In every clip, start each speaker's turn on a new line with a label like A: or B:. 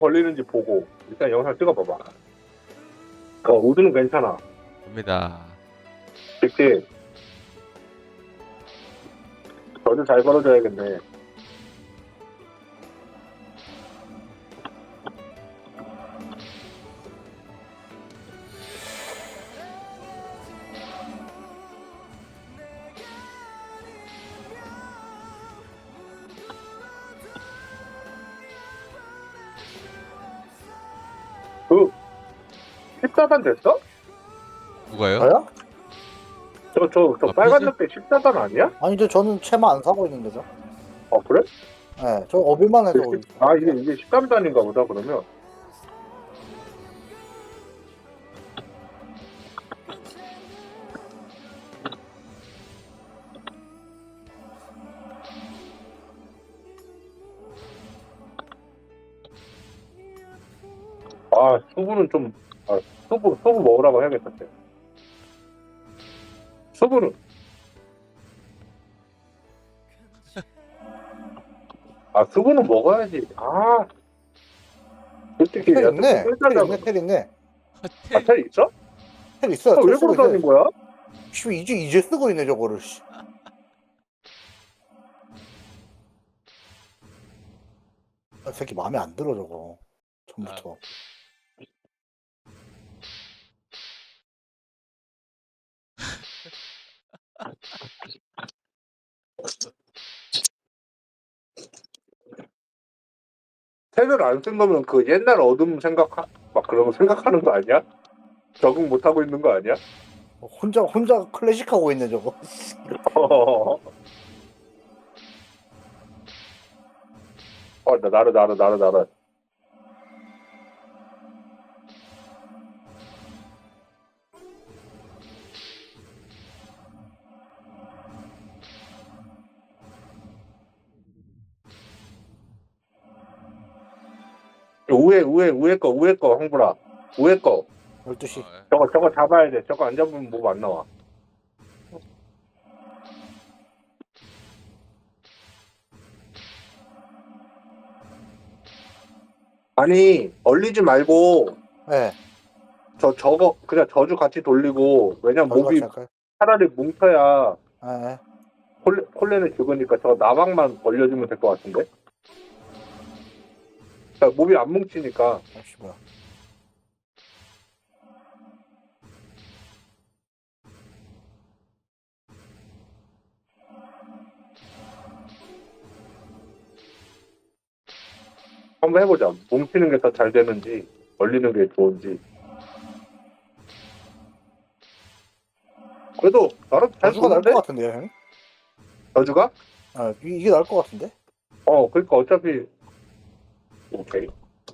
A: 걸리는지 보고 일단 영상 찍어봐봐. 우드는 괜찮아.
B: 됩니다.
A: 그치? 저도 잘 걸어줘야겠네. 그 14단 됐어?
B: 누가요?
C: 저요?
A: 저 빨간 늑대 14단 아니야?
C: 아니 저 저는 채마 안 사고 있는데 저.
A: 그래?
C: 네, 저 어빌만 해서
A: 이게 13단인가 보다 그러면. 수부는 좀 수부 먹으라고 해야겠다. 수부는 수부는 먹어야지. 솔직히
C: 텔 있네.
A: 텔
C: 텔 있네.
A: 텔 있어?
C: 텔 있어요.
A: 왜
C: 텔 쓰고
A: 그러고 다닌
C: 있네.
A: 거야?
C: 씨, 이제 쓰고 있네 저거를. 씨. 새끼 마음에 안 들어 저거. 처음부터.
A: 텔을 안 쓴 거면 그 옛날 어둠 막 그런 거 생각하는 거 아니야? 적응 못 하고 있는 거 아니야?
C: 혼자 클래식 하고 있네 저거.
A: 나를. 우에 거 황불아. 우에 거.
C: 12시.
A: 저거 잡아야 돼. 저거 안 잡으면 뭐 안 나와. 아니 얼리지 말고
C: 네.
A: 저거 그냥 저주 같이 돌리고 왜냐면 몹이
C: 할까요?
A: 차라리 뭉쳐야
C: 네.
A: 콜레는 죽으니까 저 나방만 벌려주면 될 것 같은데. 그러니까 몹이 안 뭉치니까.
C: 아씨 뭐야.
A: 한번 해보자. 뭉치는 게 더 잘 되는지 얼리는 게 좋은지. 그래도 나름 잘
C: 저주가 나을
A: 보는데?
C: 것 같은데요, 형?
A: 저주가?
C: 이게 나을 것 같은데?
A: 그러니까 어차피 오케이.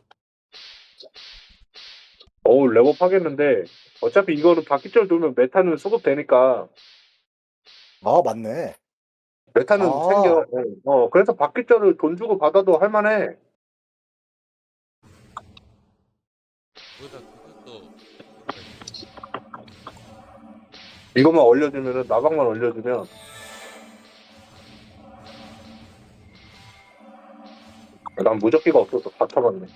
A: 레벨업 하겠는데 어차피 이거는 바퀴절 돌면 메타는 수급되니까
C: 맞네.
A: 메타는 생겨. 그래서 바퀴절을 돈 주고 받아도 할만해.
B: 거기다 그것도
A: 이것만 올려주면은 나방만 올려주면 난 무적기가 없어서 다 쳐봤네.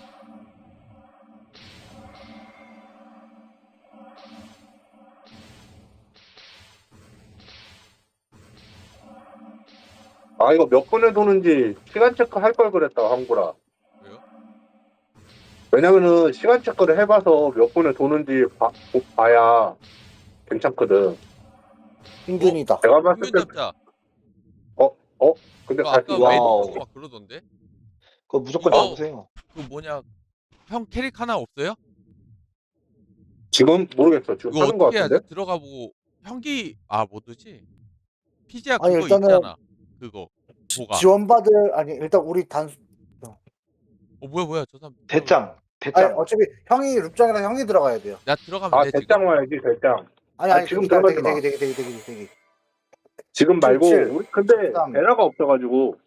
A: 이거 몇 분에 도는지 시간 체크 할 걸 그랬다 황구라.
B: 왜요?
A: 왜냐면은 시간 체크를 해봐서 몇 분에 도는지 봐야 괜찮거든.
C: 인균이다.
A: 내가 봤을
B: 평균
A: 때
B: 잡자.
A: 근데
B: 아까
A: 다시
B: 메이드 보고 막 그러던데.
D: 그거 무조건
B: 이거-
D: 잡으세요.
B: 그 뭐냐? 형 캐릭 하나 없어요?
A: 지금 모르겠어. 지금
B: 이거
A: 하는 거
B: 어떻게
A: 같은데?
B: 해야지? 들어가 보고 형기 뭐지? 피지아
C: 아니,
B: 그거
C: 일단은
B: 있잖아. 그거 보가.
C: 지원받을 일단 우리
B: 뭐야 저 사람.
D: 대짱.
C: 어차피 형이 룹장이랑 형이 들어가야 돼요.
B: 나 들어가면 돼 지금.
A: 대장 와야지 대장.
C: 지금
A: 지금 들어가지 마.
C: 되게.
A: 지금 말고
C: 7.
A: 우리 근데
C: 13.
A: 에라가 없어가지고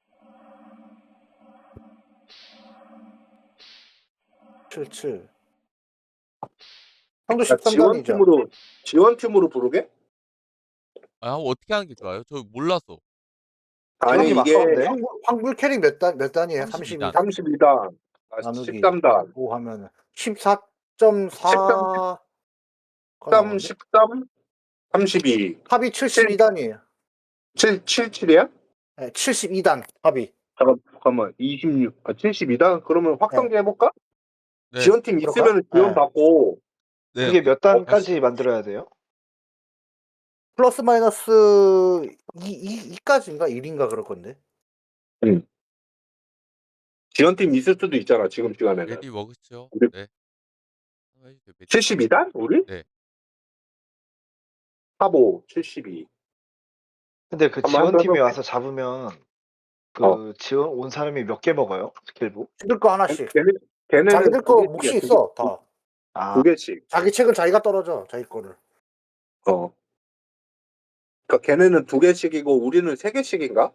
C: 77. 형도 13단이죠.
A: 지원팀으로 부르게?
B: 어떻게 하는 게 좋아요? 저 몰라서.
A: 아니
D: 형이 막
A: 이게
D: 싸운대?
C: 황불 캐릭 몇 단이에요?
B: 32 단.
C: 32단.
A: 32단.
C: 나누기
A: 13단.
C: 5 하면은 14.4 가
A: 13,
C: 나오네.
A: 13, 32.
C: 합이 72단이에요.
A: 77이야?
C: 예, 72단 합이.
A: 잠깐만. 26, 72단? 그러면
C: 예.
A: 확성기 해볼까?
B: 네.
A: 지원팀
C: 그럴까?
A: 있으면 지원
C: 예.
A: 받고,
B: 네.
D: 그게 몇
B: 다시
D: 단까지 만들어야 돼요?
C: 플러스 마이너스 2까지인가 1인가 그럴 건데.
A: 지원팀 있을 수도 있잖아, 지금 시간에는.
B: 레디 먹었죠?
A: 우리-
B: 네. 해주세요, 메디.
A: 72단? 우리?
B: 네.
A: 45, 72.
D: 근데 그
A: 한번
D: 지원팀이
A: 해볼게.
D: 와서 잡으면 그 지원 온 사람이 몇 개 먹어요? 스킬북?
C: 자기들 거 하나씩.
A: 걔네는
C: 자기들 거
A: 두
C: 몫이
A: 개씩이야,
C: 있어 다.
D: 아,
A: 두 개씩.
C: 자기 책은 자기가 떨어져 자기 거를.
A: 그러니까 걔네는 두 개씩이고 우리는 세 개씩인가?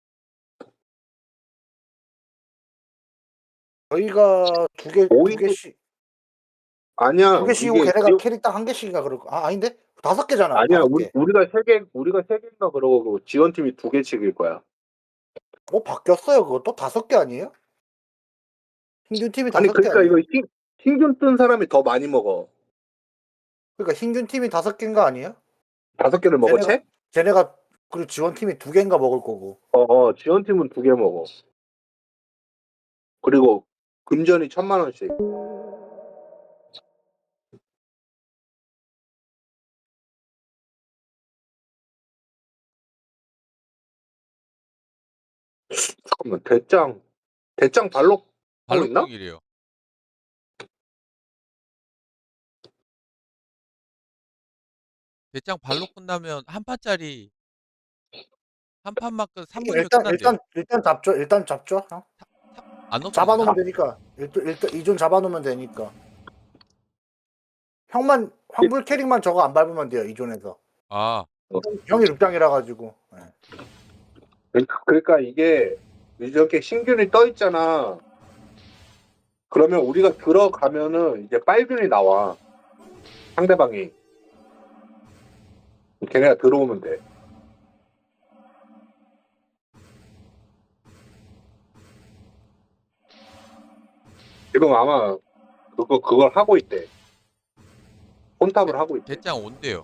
C: 저희가 두
A: 오이-
C: 개씩
A: 아니야.
C: 두 개씩이고
A: 이게
C: 걔네가 캐릭 딱 한 개씩인가 그럴 거. 아닌데 5개잖아.
A: 아니야.
C: 5개.
A: 우리가 세 개, 우리가 세 개인가 그러고 지원팀이 두 개씩일 거야.
C: 바뀌었어요 그것도 5개 아니에요? 흰균 팀이
A: 아니
C: 5개
A: 그러니까
C: 아니에요?
A: 이거 흰균 뜬 사람이 더 많이 먹어.
C: 그러니까 흰균 팀이 5개인가 아니에요?
A: 5개를 먹어
C: 걔네가-
A: 채?
C: 쟤네가 그리고 지원 팀이 2개인가 먹을 거고.
A: 지원팀은 2개 먹어. 그리고 금전이 1,000만 원씩. 잠깐만 대짱 발로 하고 있나?
B: 발록동일이에요. 대장 발록 끝나면 한 판짜리 한 판만 끝 3분이면 끝난대요.
C: 일단 잡죠. 형.
B: 안 없어지나?
C: 잡아놓으면 되니까. 일단 이존 잡아놓으면 되니까. 형만 황불 캐릭만 저거 안 밟으면 돼요 이존에서.
B: 아,
C: 형이 룩장이라 가지고. 예.
A: 그러니까 이게 이렇게 신균이 떠 있잖아. 그러면 우리가 들어가면은 이제 빨균이 나와. 상대방이. 걔네가 들어오면 돼. 지금 아마 그걸 하고 있대. 혼탑을 하고 있대.
B: 대장 온대요.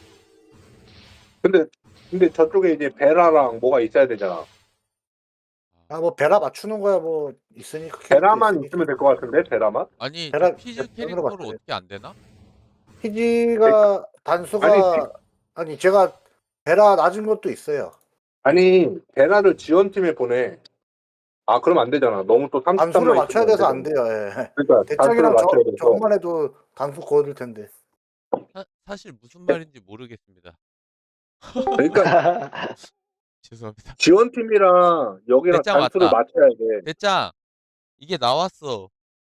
A: 근데 저쪽에 이제 베라랑 뭐가 있어야 되잖아.
C: 뭐 베라 맞추는 거야 뭐 있으니까.
A: 베라만
C: 캐릭터
A: 있으면 될 것 같은데 베라만?
B: 아니,
C: 베라-
B: 저 피즈
C: 베라
B: 캐릭터로
C: 봤어요.
B: 어떻게 안 되나?
C: 피지가 단수가 아니 제가 베라 낮은 것도 있어요.
A: 아니 베라를 지원팀에 보내. 아 그럼 안 되잖아. 너무 또 33만
C: 단수를 맞춰야 돼서 안 돼요. 예.
A: 그러니까 단수를
C: 대장이랑
A: 맞춰야 돼서.
C: 저것만 해도 단수 거둘 텐데.
B: 사실 무슨 말인지 모르겠습니다.
A: 그러니까
B: 죄송합니다.
A: 지원팀이랑 여기랑
B: 대장
A: 단수를
B: 왔다.
A: 맞춰야 돼.
B: 대장 이게 나왔어.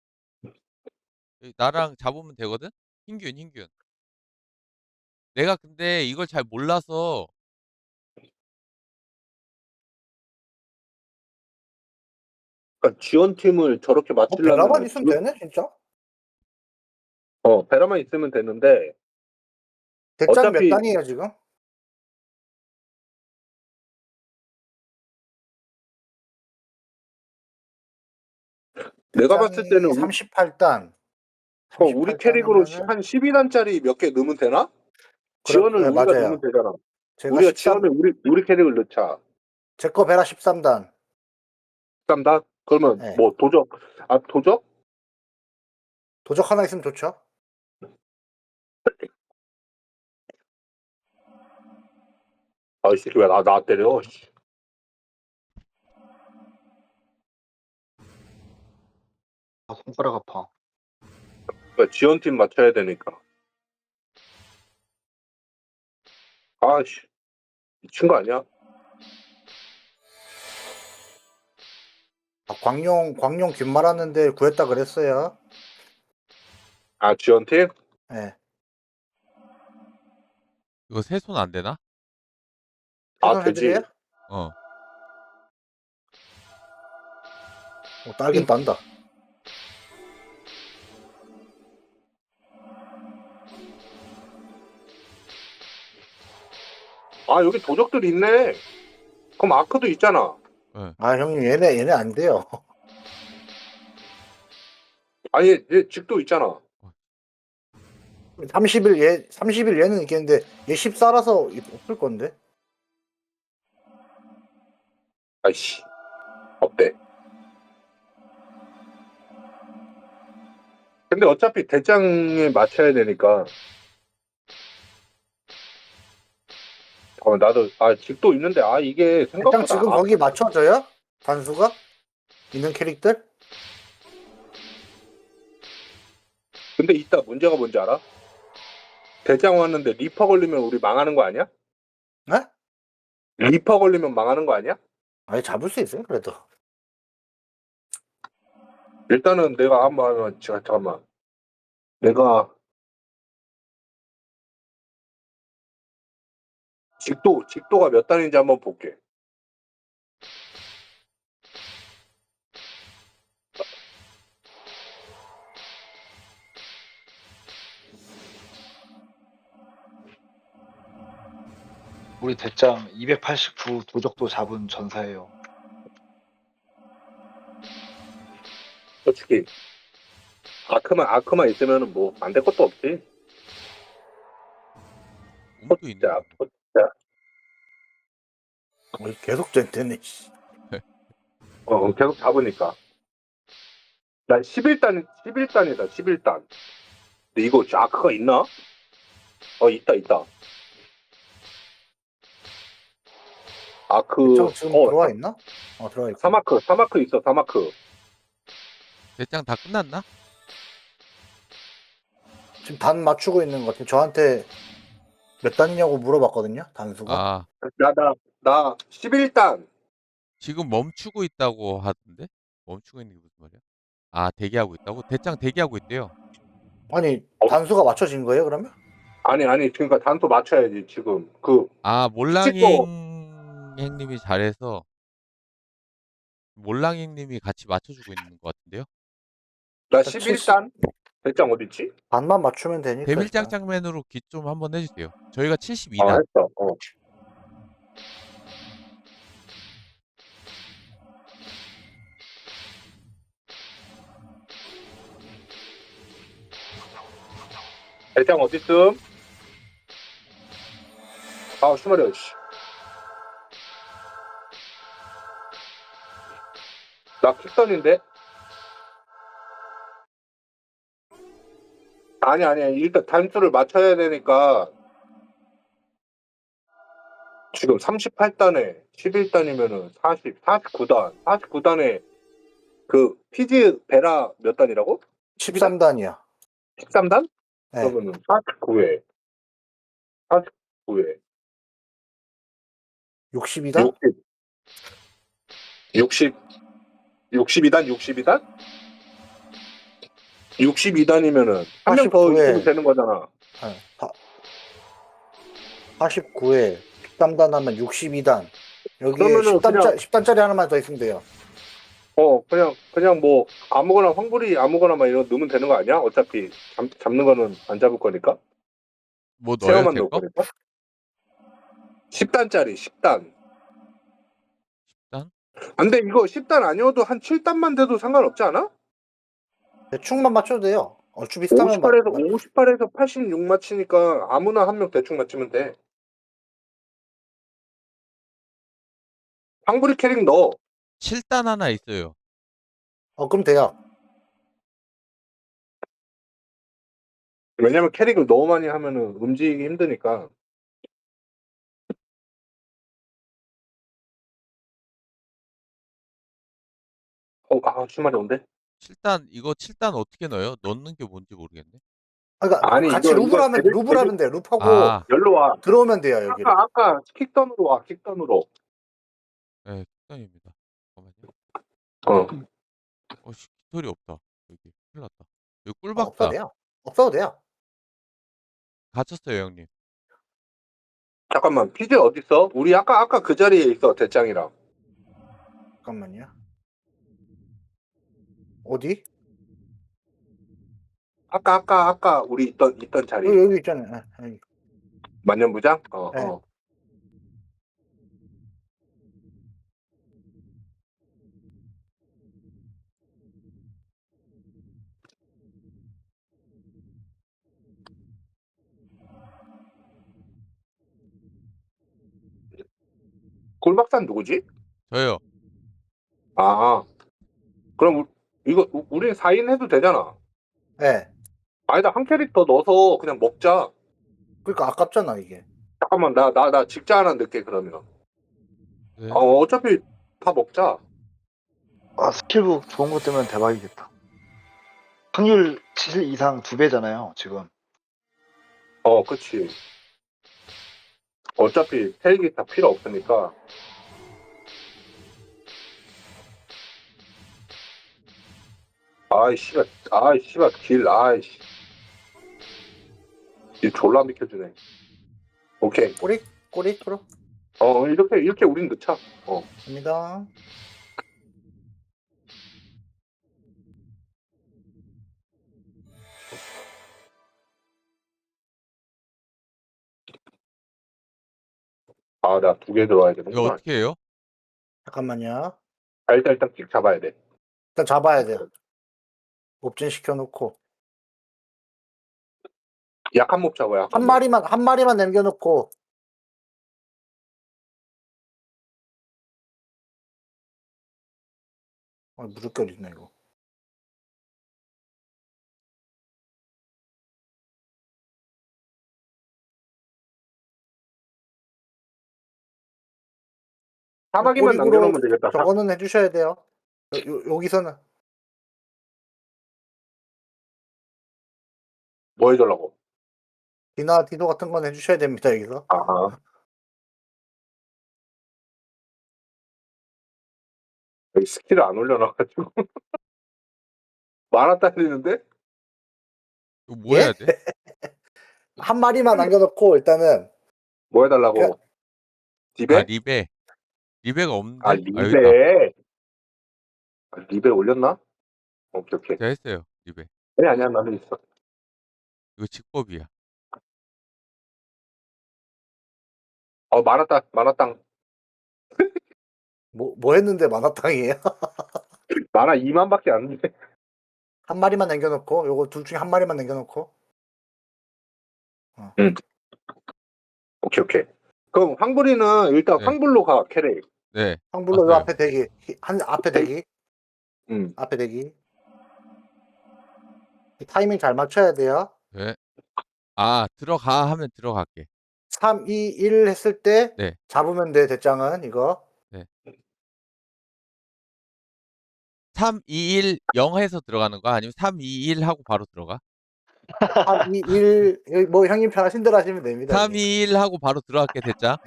B: 나랑 잡으면 되거든? 흰균. 내가 근데 이걸 잘 몰라서
A: 그러니까 지원팀을 저렇게 맞추려면
C: 베라만 있으면 되네 진짜.
A: 베라만 있으면 되는데
C: 대장
A: 어차피-
C: 몇 단이에요 지금?
A: 내가 봤을 때는
C: 38단.
A: 우리 캐릭으로 한 12단짜리 몇 개 넣으면 되나? 지원을
C: 네,
A: 우리가
C: 맞아요.
A: 넣으면 되잖아.
C: 제가
A: 우리가 지원을 우리 캐릭을 넣자.
C: 제거 베라 13단.
A: 13단? 그러면
C: 네.
A: 뭐 도적?
C: 도적 하나 있으면 좋죠.
A: 이 새끼 왜 나 때려? 씨.
D: 아, 손가락 아파.
A: 그러니까 지원팀 맞춰야 되니까. 아씨 미친 거 아니야?
C: 광룡 균 말았는데 구했다 그랬어요.
A: 지원팀?
C: 예.
B: 이거 세 손 안 되나?
A: 되지.
C: 해드려요?
B: 어.
C: 딸긴 딴다.
A: 여기 도적들이 있네. 그럼 아크도 있잖아.
C: 형님 얘네 안 돼요.
A: 아니 얘 직도 있잖아.
C: 30일 얘는 있겠는데 얘 14라서 없을 건데.
A: 아이씨 어때? 근데 어차피 대장에 맞춰야 되니까. 나도 직도 있는데 이게
C: 일단
A: 생각보다
C: 지금 거기 맞춰져요? 단수가? 있는 캐릭터?
A: 근데 이따 문제가 뭔지 알아? 대장 왔는데 리퍼 걸리면 우리 망하는 거 아니야?
C: 네?
A: 리퍼 걸리면 망하는 거 아니야?
C: 아니 잡을 수 있어요 그래도.
A: 일단은 내가 한번 잠깐만. 내가 직도가 몇 단인지 한번 볼게.
D: 우리 대장 289 도적도 잡은 전사예요.
A: 솔직히 아크만 있으면은 뭐 안 될 것도 없지.
B: 우물도 있는데.
A: 자,
B: 뭐.
A: 자,
C: 계속 되네.
A: 계속 잡으니까. 난 11단이다, 11단. 근데 이거 아크가 있나? 있다. 아크,
C: 지금 들어와 있나? 들어와 있고.
A: 사마크 있어, 사마크.
B: 대장 다 끝났나?
C: 지금 단 맞추고 있는 것 같아요. 저한테 몇 단이냐고 물어봤거든요. 단수가.
B: 아,
A: 나 11단.
B: 지금 멈추고 있다고 하던데? 멈추고 있는 게 무슨 말이야? 아, 대기하고 있다고? 대장 대기하고 있대요.
C: 아니 단수가 맞춰진 거예요 그러면?
A: 아니, 그러니까 단수 맞춰야지, 지금.
B: 아,
A: 찍고.
B: 몰랑행님이 잘해서 몰랑행님이 같이 맞춰주고 있는 것 같은데요?
A: 나
C: 일단
A: 11단? 대장 어딨지?
C: 반만 맞추면 되니까. 일단.
B: 대밀장장맨으로 기 좀 한번 해주세요. 저희가 72단.
A: 했어. 대장 어딨음? 슈마리야, 씨. 나 킥선인데? 아니야. 일단 단수를 맞춰야 되니까. 지금 38단에 11단이면은 49단. 49단에 피지 베라 몇 단이라고?
C: 13단이야.
A: 13단?
C: 네.
A: 그러면은 49회. 49회.
C: 62단?
A: 62단? 62단이면은 한 명 더
C: 49회.
A: 있으면 되는 거잖아.
C: 49에 13단 하면 62단. 여기에
A: 그러면은
C: 10단짜리 하나만 더 있으면 돼요.
A: 그냥 뭐 아무거나 황불이 아무거나 막 이런 거 넣으면 되는 거 아니야? 어차피 잡는 거는 안 잡을 거니까.
B: 뭐 넣어요,
A: 세어만
B: 제
A: 넣을
B: 거?
A: 거니까. 10단짜리 10단.
B: 10단?
A: 근데 이거 10단 아니어도 한 7단만 돼도 상관없지 않아?
C: 대충만 맞춰도 돼요. 얼추 비슷하면
A: 58에서 86 맞히니까 아무나 한 명 대충 맞추면 돼. 황불이 캐릭 넣어.
B: 7단 하나 있어요.
C: 그럼 돼요.
A: 왜냐면 캐릭을 너무 많이 하면은 움직이기 힘드니까. 주말에 온대?
B: 7단, 이거 7단 어떻게 넣어요? 넣는 게 뭔지 모르겠네.
C: 그러니까
A: 아니,
C: 같이
A: 이거
C: 룹을 하면 돼. 룹하고
B: 아,
A: 열로 와.
C: 들어오면 돼요 여기를.
A: 아까 킥던으로 와, 킥던으로.
B: 네, 7단입니다. 잠깐만요.
A: 어.
B: 깃털이 없다. 여기, 큰일 났다. 여기
C: 없어도
B: 꿀박다.
C: 돼요. 없어도 돼요.
B: 갇혔어요, 형님.
A: 잠깐만, 피즈 어딨어? 우리 아까 그 자리에 있어, 대장이랑.
C: 잠깐만요. 어디?
A: 아까 우리 있던 자리.
C: 여기 있잖아요. 여기.
A: 만년부장?
C: 네.
A: 꿀박산 누구지?
B: 저요.
A: 아, 그럼 이거 우리 4인 해도 되잖아.
C: 예.
A: 아니다, 한 캐릭터 넣어서 그냥 먹자.
C: 그러니까 아깝잖아 이게.
A: 잠깐만, 나 직자 하나 넣게, 그러면.
B: 네.
A: 어차피 다 먹자.
D: 아, 스킬북 좋은 거 뜨면 대박이겠다. 확률 7 이상 2배잖아요, 지금.
A: 그치. 어차피 헬기 다 필요 없으니까. 아이씨발, 길, 아이씨. 이 졸라 비켜주네. 오케이.
C: 꼬리 프로
A: 이렇게 우린 넣자.
C: 갑니다.
A: 나 2개 들어와야
B: 이거
A: 되는구나.
B: 어떻게 해요?
C: 잠깐만요.
A: 일단 찍 잡아야 돼.
C: 일단 잡아야 돼요. 옵진 시켜놓고
A: 약한 몹 잡아야. 약한
C: 한
A: 몹.
C: 마리만 남겨놓고. 무릎결 있네 이거.
A: 사마귀만
C: 꼬리구로
A: 남겨놓으면 되겠다.
C: 저거는 해주셔야 돼요. 여기서는
A: 뭐 해달라고?
C: 디도 같은 건 해주셔야 됩니다 여기서.
A: 여기 스킬을 안 올려놔가지고. 만화 딸리는데?
B: 이거 뭐
C: 예?
B: 해야 돼?
C: 한 마리만 남겨놓고 일단은
A: 뭐 해달라고? 디베?
B: 리베가 없는데?
A: 아,
B: 여기 있다.
A: 리베. 리베 올렸나? 오케이.
B: 제가 했어요. 리베.
A: 아니야, 나는 있어.
B: 이거 직법이야.
A: 만화 땅.
C: 뭐 했는데 만화탕이에요?
A: 만화 2만밖에 안 돼.
C: 한 마리만 남겨놓고 요거 둘 중에 한 마리만 남겨놓고.
A: 오케이. 그럼 황불이는 일단
B: 네.
A: 황불로 가, 캐릭.
B: 네.
C: 황불로 요
B: 맞아요.
C: 앞에 대기. 앞에 대기.
A: 응.
C: 앞에 대기. 타이밍 잘 맞춰야 돼요.
B: 네. 들어가 하면 들어갈게.
C: 3, 2, 1 했을 때
B: 네.
C: 잡으면 돼 대장은 이거.
B: 3, 2, 1, 0 해서 들어가는 거야? 아니면 3, 2, 1 하고 바로 들어가?
C: 3, 2, 1 여기 뭐 형님 편하신 대로 하시면 됩니다.
B: 3, 2, 1 하고 바로 들어갈게, 대장.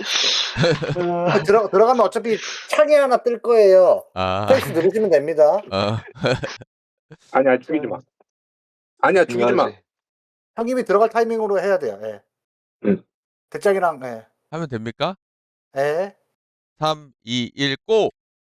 C: 들어가면 어차피 창이 하나 뜰 거예요. 스페이스 누르시면 됩니다.
A: 아니야, 죽이지 마. 아니야, 죽이지 마.
D: 중요하지.
C: 형님이 들어갈 타이밍으로 해야 돼요. 예.
A: 응.
C: 대장이랑 예.
B: 하면 됩니까?
C: 예.
B: 3, 2, 1, 고!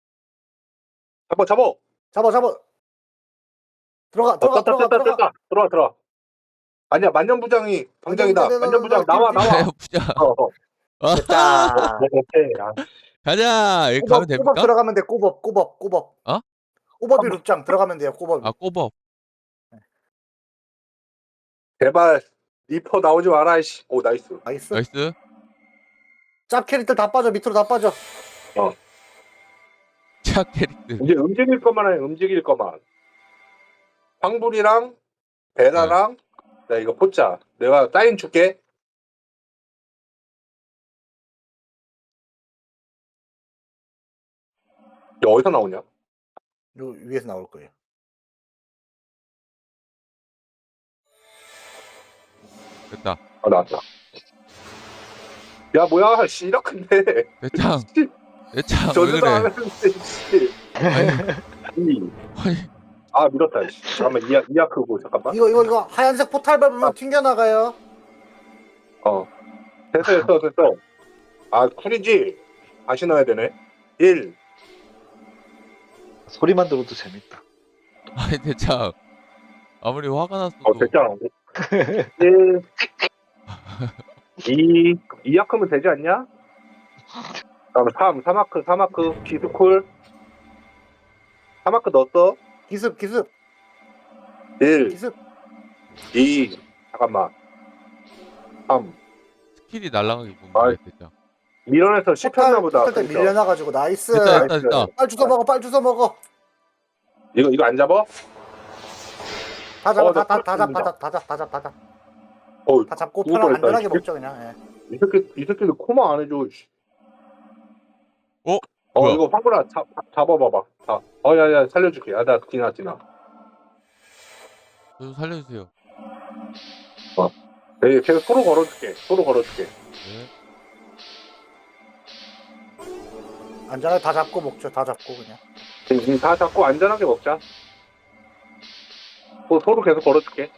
A: 잡아.
C: 잡아. 들어가.
A: 들어와. 아니야, 만년부장이 방장이다. 만년부장 나와.
B: 부장.
C: 됐다.
A: 오케이.
B: 가자! 여기 가면
C: 꼬법
B: 됩니까?
C: 들어가면 돼. 꼬법.
B: 어?
C: 꼬법이 룩장 들어가면 돼요. 꼬법.
B: 꼬법.
A: 제발 리퍼 나오지 마라. 씨. 오, 나이스.
B: 나이스.
C: 짭 캐릭터 다 빠져. 밑으로 다 빠져.
B: 차 캐릭터.
A: 이제 움직일 것만. 황불이랑 베라랑 나 이거 포자. 내가 사인 줄게. 이거 어디서 나오냐?
C: 요 위에서 나올 거예요.
B: 됐다.
A: 나왔다. 야, 뭐야? 씨, 이렇게인데.
B: 대장, 왜
A: 저주도 안
B: 그래?
A: 하는데, 씨.
B: 아니,
A: 밀었다. 씨. 잠깐만, 이아크고, 잠깐만.
C: 이거 하얀색 포탈 밟으면 튕겨 나가요.
A: 됐어. 쿨이지? 다시 넣어야 되네. 1.
D: 소리만 들어도 재밌다.
B: 아니, 대장. 아무리 화가 났어도.
A: 됐잖아. 1. 2. 이아크면 되지 않냐? 다음 3. 3마크. 기스콜. 3마크 넣었어.
C: 기습
A: 1.
C: 기습
A: 2. 잠깐만. 3.
B: 스킬이 날아가기
A: 아이.
B: 보면 대장.
A: 밀어내서 씹혔나 보다.
C: 포탈 때
A: 그러니까.
C: 밀려나가지고 나이스.
B: 됐다
A: 나이스.
B: 됐다.
C: 빨 주워 먹어, 빨 주워 먹어.
A: 이거 안 잡아?
C: 다 잡아,
A: 나
C: 다
A: 털었습니다.
C: 잡아.
A: 어,
C: 다 잡고
A: 죽을
C: 편안
A: 뻔했다,
C: 안전하게
A: 이
C: 먹죠 그냥. 예.
A: 이 새끼들 코마 안 해줘. 씨.
B: 뭐야?
A: 이거 황구라 잡아봐봐. 야야 살려줄게. 나 디나.
B: 저 좀 살려주세요.
A: 네, 계속 소로 걸어줄게.
B: 네.
C: 안전하게 다 잡고 먹죠. 다 잡고 그냥.
A: 다 잡고 안전하게 먹자. 소로 계속 걸어줄게.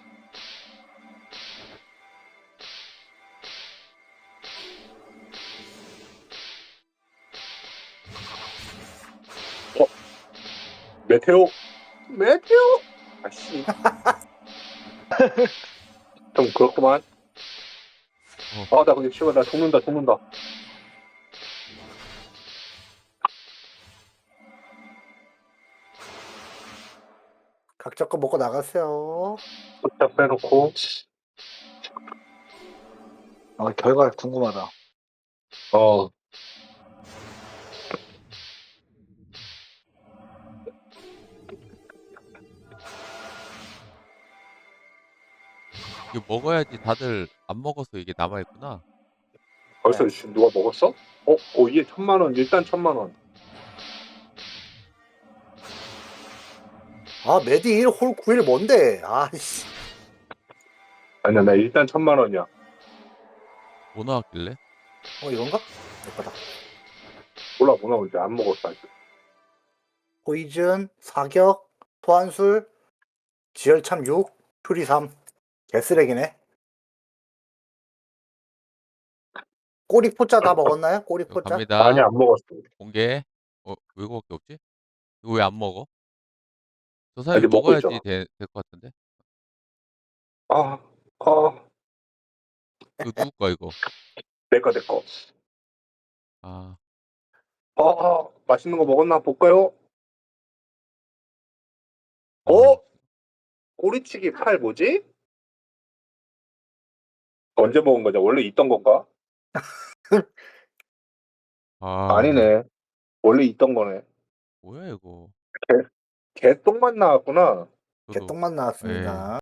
A: 메테오. 아씨. 좀 그렇구만. 나 근데 씨발 나 죽는다.
C: 각자 거 먹고 나가세요.
A: 숫자 빼놓고.
D: 결과 궁금하다.
B: 이거 먹어야지. 다들 안 먹어서 이게 남아있구나.
A: 벌써 누가 먹었어? 이게 1,000,000원. 일단 1,000,000원.
C: 메디 1, 홀 9일 뭔데? 아이씨.
A: 아니야, 나 일단 1,000,000원이야.
B: 뭐 나왔길래?
C: 이건가? 내 거다.
A: 몰라, 뭐 나올지 안 먹었어, 아직.
C: 포이즌, 사격, 소환술, 지열참 6, 퓨리 3. 개쓰레기네. 꼬리 포자 다 먹었나요? 꼬리
B: 이거
C: 포자?
B: 갑니다.
A: 아니, 안 먹었어.
B: 공개. 왜 이거밖에 없지? 이거 왜 안 먹어? 저 사람이
A: 아직 먹고
B: 먹어야지
A: 있잖아.
B: 될 것 같은데?
A: 아,
B: 이거 누구 거야 이거?
A: 내 거.
B: 아,
A: 맛있는 거 먹었나 볼까요? 꼬리치기 팔 뭐지? 언제 먹은 거냐? 원래 있던 건가? 아니네. 원래 있던 거네.
B: 뭐야 이거?
A: 개똥만 나왔구나.
B: 저도
C: 개똥만 나왔습니다.